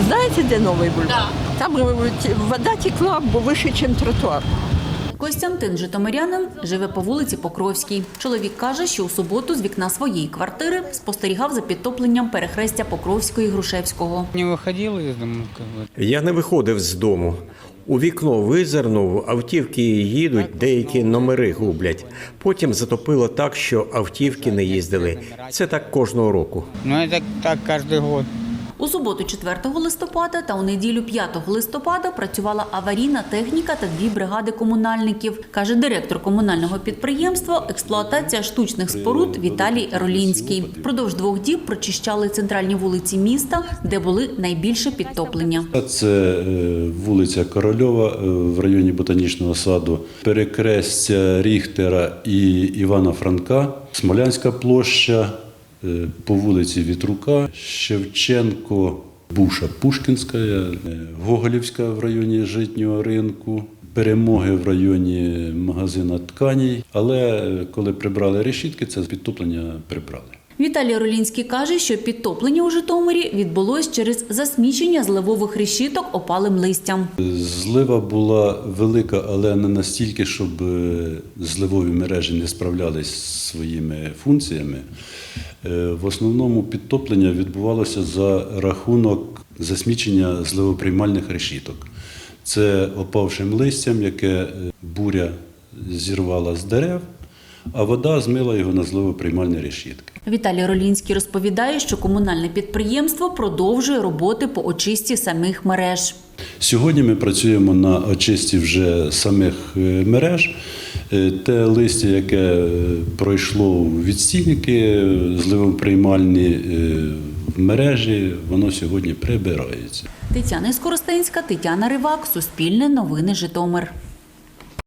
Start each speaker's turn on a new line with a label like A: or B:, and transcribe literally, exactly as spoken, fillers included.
A: Знаете, где новый бульвар?
B: Да.
A: Там э, те- вода текла выше, чем тротуар.
B: Костянтин, житомирянин, живе по вулиці Покровській. Чоловік каже, що у суботу з вікна своєї квартири спостерігав за підтопленням перехрестя Покровського і Грушевського.
C: Не выходил из дома, как бы.
D: Я не виходив з дому. У вікно визирнув, автівки їдуть, деякі номери гублять. Потім затопило так, що автівки не їздили. Це так кожного року.
C: Ну, это так каждый год.
B: У суботу, четвертого листопада та у неділю, п'ятого листопада, працювала аварійна техніка та дві бригади комунальників, каже директор комунального підприємства «Експлуатація штучних споруд» Віталій Ролінський. Впродовж двох діб прочищали центральні вулиці міста, де були найбільше підтоплення.
E: Це е, вулиця Корольова е, в районі Ботанічного саду, перекрестя Ріхтера і Івана Франка, Смолянська площа, е, по вулиці Вітрука, Шевченко, Буша Пушкінська, е, Гоголівська в районі Житнього ринку, Перемоги в районі магазина тканій. Але е, коли прибрали решітки, це підтоплення прибрали.
B: Віталій Ролінський каже, що підтоплення у Житомирі відбулось через засмічення зливових решіток опалим листям.
E: Злива була велика, але не настільки, щоб е, зливові мережі не справлялись зі своїми функціями. Е, В основному підтоплення відбувалося за рахунок засмічення зливоприймальних решіток. Це опавшим листям, яке е, буря зірвала з дерев, а вода змила його на зливоприймальні решітки.
B: Віталій Ролінський розповідає, що комунальне підприємство продовжує роботи по очистці самих мереж.
E: Сьогодні ми працюємо на очисті вже самих е, мереж. Е, Те листя, яке е, пройшло відстійники е, зливоприймальні е, в мережі, воно сьогодні прибирається.
B: Тетяна Скоростенська, Тетяна Ривак, Суспільне новини Житомир.